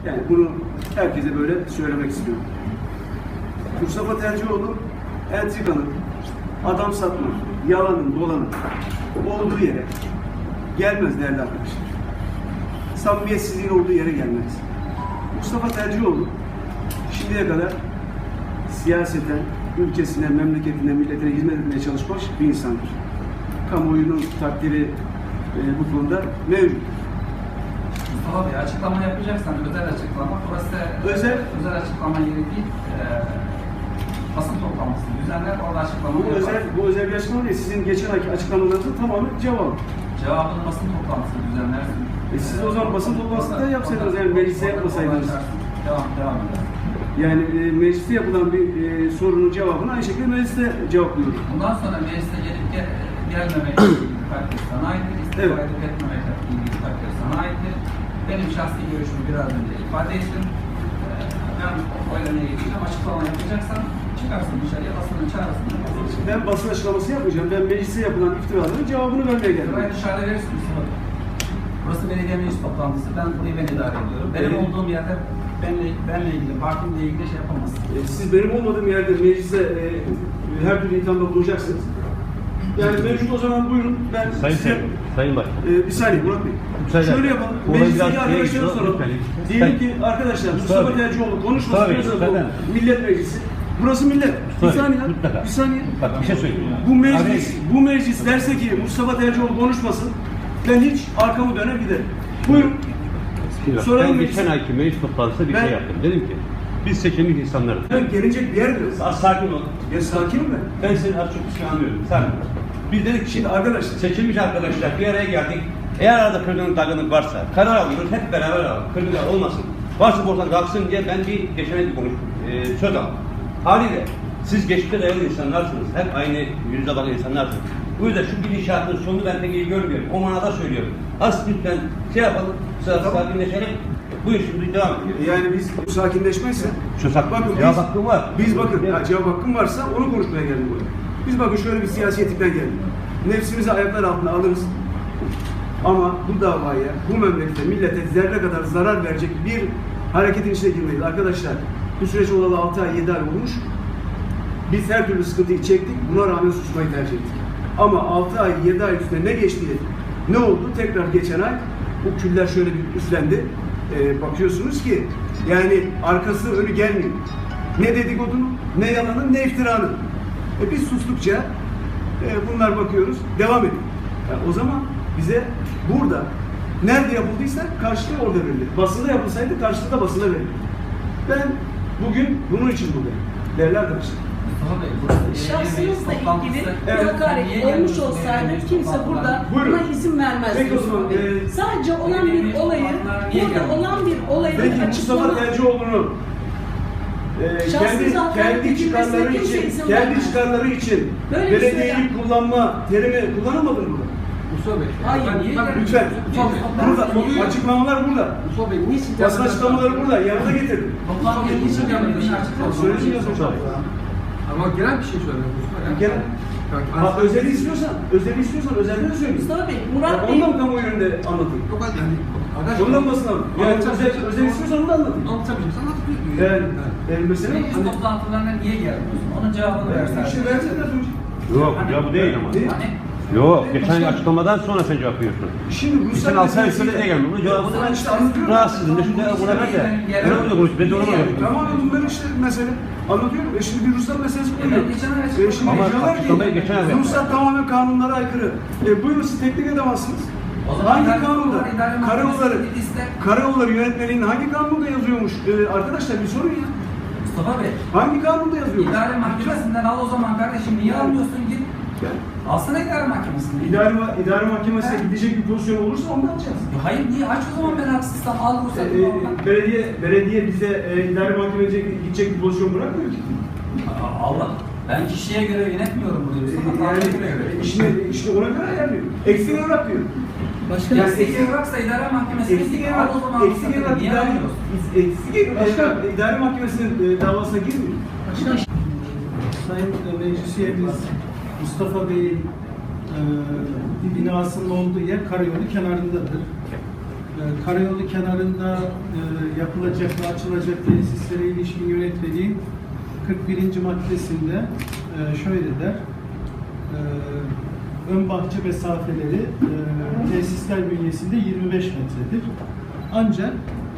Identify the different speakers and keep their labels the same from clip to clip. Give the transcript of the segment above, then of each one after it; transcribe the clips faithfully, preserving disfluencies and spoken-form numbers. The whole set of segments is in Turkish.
Speaker 1: Yani bunu herkese böyle söylemek istiyorum. Mustafa Tercioğlu entrikanın, adam satma, yalanın, dolanın olduğu yere gelmez değerli arkadaşlar. Samimiyetsizliğin olduğu yere gelmez. Mustafa Tercioğlu şimdiye kadar siyaseten, ülkesine, memleketine, milletine hizmet etmeye çalışmış bir insandır. Kamuoyunun takdiri e, bu konuda mevcut.
Speaker 2: Mustafa Bey, açıklama yapacaksan özel açıklama, burası özel, özel açıklama yeri değil, e, basın toplantısı düzenler, orada açıklama
Speaker 1: Bu
Speaker 2: yapar.
Speaker 1: özel, bu özel bir açıklama değil. Sizin geçen ayki açıklamalarınızın tamamı cevap.
Speaker 2: Cevabını basın toplantısı düzenlersin.
Speaker 1: E siz o zaman basın toplantısında yapsaydınız, yani mecliste yapmasaydınız.
Speaker 2: Devam, devam edelim.
Speaker 1: Yani e, mecliste yapılan bir e, sorunun cevabını aynı şekilde mecliste cevaplıyoruz.
Speaker 2: Bundan sonra meclise gelip gel, gelmemekle ilgili takdir sana aittir, istifa
Speaker 1: Evet.
Speaker 2: edip etmemekle ilgili takdir sana aittir. Benim şahsi görüşümü biraz önce ifade ettim. Ee, ben oylamaya geçeceğim, açıklama yapacaksan çıkarsın dışarıya, basının çağrısını.
Speaker 1: Ben basın açıklaması yapmayacağım. Ben mecliste yapılan iftiraların cevabını vermeye geldim.
Speaker 2: Buraya dışarıda verirsin Mustafa. Burası belediye meclis toplantısı. Ben burayı ben idare ediyorum. Benim
Speaker 1: Evet.
Speaker 2: olduğum yerde benle, benle ilgili, partimle ilgili şey yapamazsın.
Speaker 1: E, siz benim olmadığım yerde mecliste e, her türlü ithamda bulunacaksınız. Yani mevcut o zaman buyurun. Ben
Speaker 3: Sayın
Speaker 1: size...
Speaker 3: Sayın, Sayın Başkan.
Speaker 1: Ee, bir saniye Murat Bey.
Speaker 3: Müsaade.
Speaker 1: Şöyle yapalım.
Speaker 3: Olayı
Speaker 1: Meclisteki
Speaker 3: biraz
Speaker 1: arkadaşlara
Speaker 3: şey-
Speaker 1: soralım.
Speaker 3: lütfen.
Speaker 1: Diyelim ki arkadaşlar Mustafa
Speaker 3: Tabii.
Speaker 1: Tercioğlu konuşması
Speaker 3: Tabii,
Speaker 1: diyorsa bu
Speaker 3: lütfen.
Speaker 1: millet meclisi. Burası millet. Bir
Speaker 3: Tabii,
Speaker 1: saniye.
Speaker 3: mutlaka.
Speaker 1: Bir saniye.
Speaker 3: Bak bir şey söyleyeyim.
Speaker 1: Bu meclis, bu meclis derse ki Mustafa Tercioğlu konuşmasın. Ben hiç arkamı döner giderim. Buyurun.
Speaker 3: Bismillah.
Speaker 1: Soralım
Speaker 3: Ben
Speaker 1: meclis.
Speaker 3: geçen ayki meclis toplantısında bir
Speaker 1: Ben-
Speaker 3: şey yaptım. Dedim ki biz seçilmiş insanlarız.
Speaker 1: Ben gelecek bir yer mi?
Speaker 3: Az sakin ol.
Speaker 1: Ya sakinim ben.
Speaker 3: Ben seni az çok bir şey anlıyorum. Sen biz dedik ki
Speaker 1: Şimdi arkadaşlar.
Speaker 3: seçilmiş arkadaşlar bir araya geldik. Eğer arada kırgınlık dargınlık varsa karar alıyoruz hep beraber alalım. Kırgınlık olmasın. Varsa buradan kalksın diye ben bir geçen ay bir konuş, e, söz aldım. Haliyle siz geçmişte dayalı insanlarsınız. Hep aynı yüzde bakan insanlarsınız. Bu yüzden şu gidişatın sonunu ben pek iyi görmüyorum. O manada söylüyorum. Az lütfen şey yapalım, sıra
Speaker 1: Tamam.
Speaker 3: sakinleşelim. Buyur şimdi devam ediyor.
Speaker 1: Yani biz sakinleşmezse
Speaker 3: Söz hakkı,
Speaker 1: bakın
Speaker 3: cevap
Speaker 1: biz,
Speaker 3: hakkım var.
Speaker 1: biz bakın ya, cevap hakkım varsa onu konuşmaya geldim buraya. Biz bakın şöyle bir siyasetikten geldik. Nefsimizi ayaklar altına alırız. Ama bu davaya, bu memlekete, millete zerre kadar zarar verecek bir hareketin içine girmeyiz. Arkadaşlar bu süreç olalı altı ay, yedi ay olmuş. Biz her türlü sıkıntıyı çektik. Buna rağmen susmayı tercih ettik. Ama altı ay, yedi ay üstüne ne geçti? Ne oldu? Tekrar geçen ay bu küller şöyle bir üflendi. Ee, bakıyorsunuz ki yani arkası önü gelmiyor. Ne dedikodunun, ne yalanın, ne iftiranın. E biz sustukça e, bunlar bakıyoruz, devam ediyor. Yani o zaman bize burada nerede yapıldıysa karşılığı orada verilir. Basında yapılsaydı karşılığı da basına verilir. Ben bugün bunun için buradayım. Değerli arkadaşlar.
Speaker 2: Mustafa Bey, burası
Speaker 4: Şahsınızla ilgili
Speaker 1: Evet.
Speaker 4: bir hakaret olmuş olsaydı kimse burada
Speaker 1: Buyurun.
Speaker 4: buna izin vermezdi.
Speaker 1: Peki o zaman,
Speaker 4: Mustafa Bey.
Speaker 1: e,
Speaker 4: Sadece olan bir olayı, burada olan bir olayı
Speaker 1: Peki Mustafa
Speaker 4: açıklama...
Speaker 1: Tercioğlu'nu e, kendi,
Speaker 4: Şahsınıza hakaret
Speaker 1: kendi çıkarları
Speaker 4: edilmesine kimse
Speaker 1: için,
Speaker 4: izin
Speaker 1: kendi
Speaker 4: vermez.
Speaker 1: çıkarları için
Speaker 4: Böyle bir şey
Speaker 1: belediyeyi
Speaker 4: söylem.
Speaker 1: kullanma terimi kullanamadın mı?
Speaker 5: Mustafa Bey.
Speaker 4: Hayır.
Speaker 5: Ben niye geldim?
Speaker 1: Lütfen.
Speaker 5: Mustafa Bey.
Speaker 1: Burada açıklamalar burada.
Speaker 5: Mustafa Bey niçin
Speaker 1: Basın açıklamaları burada. Yanına getirdim.
Speaker 2: Toplantı için gelmedi, dışarı çıkmadı.
Speaker 1: Söyleyeceğiz hocam.
Speaker 5: Ama genel bir şey söylüyorum Mustafa Bey.
Speaker 1: Genel. Ha, özeli istiyorsan, özeli istiyorsan özelde de söyleyeyim.
Speaker 4: Mustafa Bey,
Speaker 1: Ya,
Speaker 4: Murat Bey...
Speaker 1: ondan kamuoyu önünde anlatayım.
Speaker 5: Yok yani arkadaş.
Speaker 1: Ondan basın alın. Yani özel, özel istiyorsan onu da anlatayım.
Speaker 5: Anlatabilirim. Sen anlatabilir
Speaker 1: Yani, yani mesela...
Speaker 2: Meclis toplantılarına niye gelmiyorsun? Onun cevabını versen.
Speaker 1: İşte versene az önce.
Speaker 3: Yok ya bu değil ama.
Speaker 1: Ne?
Speaker 2: Hani
Speaker 3: Yok geçen ay açıklamadan sonra sen cevap veriyorsun.
Speaker 1: Şimdi
Speaker 3: Sen
Speaker 1: ruhsat
Speaker 3: altı ay
Speaker 1: meselesiyle...
Speaker 3: sonra ne gelmiyor? Bunun cevabını ben
Speaker 1: İşte anlatıyorum.
Speaker 3: rahatsızım. Ne şimdi buna ver de. Ben öyle konuş. Ben de ona
Speaker 1: E,
Speaker 3: bakıyorum.
Speaker 1: Tamam bunlar işte mesele. Anlatıyorum. E şimdi bir ruhsat meselesi koyuyor.
Speaker 2: Evet, geçen ay
Speaker 1: E şimdi
Speaker 3: Ama
Speaker 1: diyorlar
Speaker 3: açıklamayı geçen ay
Speaker 1: ki
Speaker 3: yaptılar.
Speaker 1: ruhsat tamamen kanunlara aykırı. E buyurun siz teknik edemezsiniz.
Speaker 2: O zaman
Speaker 1: Hangi
Speaker 2: idare-
Speaker 1: kanunda?
Speaker 2: idare
Speaker 1: Karayolları,
Speaker 2: mahkemesi liste-
Speaker 1: Karayolları yönetmeliğinin hangi kanunda yazıyormuş? E, arkadaşlar bir sorun ya.
Speaker 2: Mustafa Bey,
Speaker 1: Hangi kanunda yazıyormuş?
Speaker 2: idare mahkemesinden al o zaman kardeşim. Niye almıyorsun git?
Speaker 1: Yani,
Speaker 2: Alsana idare mahkemesinden.
Speaker 1: idare, idare mahkemesine gidecek bir pozisyon olursa ondan alacağız.
Speaker 2: Ya hayır niye? Aç o zaman ben haksızsam al
Speaker 1: E,
Speaker 2: ruhsatını
Speaker 1: e,
Speaker 2: oradan.
Speaker 1: belediye, belediye bize e, idare mahkemesine gidecek bir pozisyon bırakmıyor ki.
Speaker 2: Aa, Allah. Ben kişiye göre yönetmiyorum burayı.
Speaker 1: E,
Speaker 2: Mustafa
Speaker 1: yani
Speaker 2: Tanrı'ya göre.
Speaker 1: işini, işini ona göre ayarlıyor. Eksik evrak diyor.
Speaker 4: Başka
Speaker 1: Yani
Speaker 2: Eksik
Speaker 1: eksik-
Speaker 2: evraksa idare mahkemesine
Speaker 1: Eksik
Speaker 2: git. Al
Speaker 1: evrak,
Speaker 2: o zaman
Speaker 1: eksik
Speaker 2: ruhsatını.
Speaker 1: evrak
Speaker 2: Niye
Speaker 1: idare,
Speaker 2: almıyorsun?
Speaker 1: eksik evrak idare mahkemesinin e, davasına girmiyor.
Speaker 6: Sayın Meclis Üyemiz Mustafa Bey'in e, bir binasının olduğu yer karayolu kenarındadır. E, karayolu kenarında e, yapılacak ve açılacak tesislere ilişkin yönetmeliğin kırk birinci maddesinde e, şöyle der. E, ön bahçe mesafeleri e, tesisler bünyesinde yirmi beş metredir. Ancak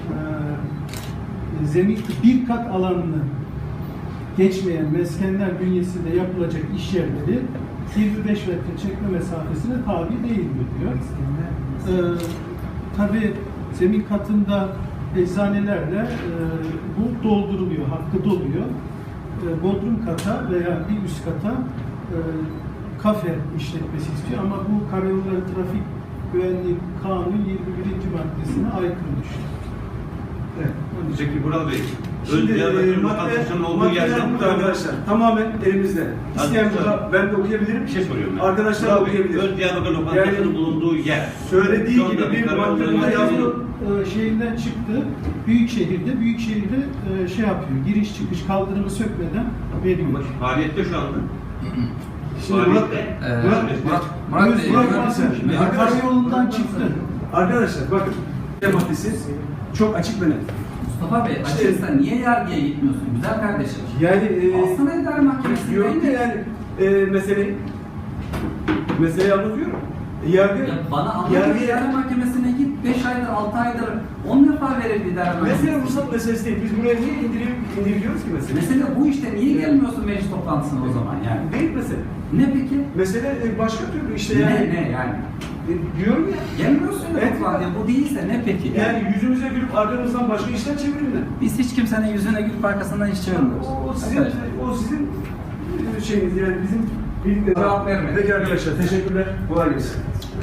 Speaker 6: e, zemin bir kat alanını geçmeyen meskenler bünyesinde yapılacak iş yerleri yirmi beş metre çekme mesafesine tabi değildir diyor. Ee, Tabii zemin katında eczanelerle e, bu dolduruluyor, hakkı doluyor. E, bodrum kata veya bir üst kata e, kafe işletmesi istiyor ama bu Karayolları Trafik Güvenliği Kanunu yirmi birinci maddesine aykırı düşüyor. Evet. onun için-
Speaker 3: Peki Vural Bey,
Speaker 1: Şimdi
Speaker 3: Öz Diyarbakır
Speaker 1: e, madde,
Speaker 3: lokantasının olduğu
Speaker 1: maddeler
Speaker 3: yerden
Speaker 1: burada arkadaşlar. Tamamen elimizde. İsteyen
Speaker 3: Hadi,
Speaker 1: burada, ben de okuyabilirim.
Speaker 3: bir şey soruyorum ben.
Speaker 1: Arkadaşlar da
Speaker 3: Vural Bey,
Speaker 1: okuyabilir.
Speaker 3: Öz Diyarbakır lokantasının
Speaker 1: Yani
Speaker 3: bulunduğu yer.
Speaker 1: söylediği
Speaker 3: Şu anda
Speaker 1: gibi bir
Speaker 3: Karayolları
Speaker 1: madde burada
Speaker 3: Yönetmeliği-
Speaker 1: yazıyor.
Speaker 6: e, şeyinden çıktı. Büyükşehir'de, Büyükşehir'de e, şey yapıyor. Giriş çıkış kaldırımı sökmeden veriyor.
Speaker 3: Faaliyette şu anda.
Speaker 1: Şimdi Murat,
Speaker 3: Faaliyette.
Speaker 2: Ee,
Speaker 1: Murat,
Speaker 2: Murat, Murat Bey,
Speaker 1: Murat,
Speaker 2: Murat Bey,
Speaker 1: Murat,
Speaker 2: Murat Bey.
Speaker 6: Karayolundan çıktı.
Speaker 1: arkadaşlar bakın. Maddesi çok açık ve net.
Speaker 2: Mustafa Bey, açıkçası niye yargıya gitmiyorsun güzel kardeşim?
Speaker 1: Yani e,
Speaker 2: Alsana idare mahkemesine.
Speaker 1: diyorum ya yani e, meseleyi meseleyi anlatıyorum. Yargı,
Speaker 2: Ya bana anlat
Speaker 1: yargıya-
Speaker 2: idare mahkemesine git. beş aydır, altı aydır on defa verildi idare mahkemesine.
Speaker 1: mesele ruhsat meselesi değil. Biz buraya niye indirip, indiriyoruz ki mesele?
Speaker 2: Mesele bu işte. Niye gelmiyorsun meclis toplantısına o zaman yani?
Speaker 1: Değil mesele.
Speaker 2: Ne peki?
Speaker 1: Mesele e, başka türlü işte yani.
Speaker 2: Ne ne yani?
Speaker 1: E, diyorum ya.
Speaker 2: Gelmiyorsun ya
Speaker 1: Evet.
Speaker 2: toplantıya. Bu değilse ne peki?
Speaker 1: Yani yüzümüze gülüp arkamızdan başka işler çevirinler.
Speaker 2: Biz hiç kimsenin yüzüne gülüp arkasından iş çevirmiyoruz.
Speaker 1: O, o sizin,
Speaker 2: Arkadaşlar.
Speaker 1: o sizin e, şeyiniz yani bizim birlikte
Speaker 2: Cevap verme.
Speaker 1: Peki arkadaşlar teşekkürler. Kolay gelsin.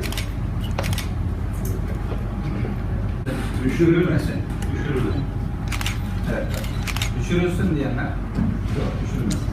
Speaker 2: Düşürülmesin.
Speaker 3: Düşürülür.
Speaker 2: Evet. Düşürülsün diyenler. Yok düşürülmesin.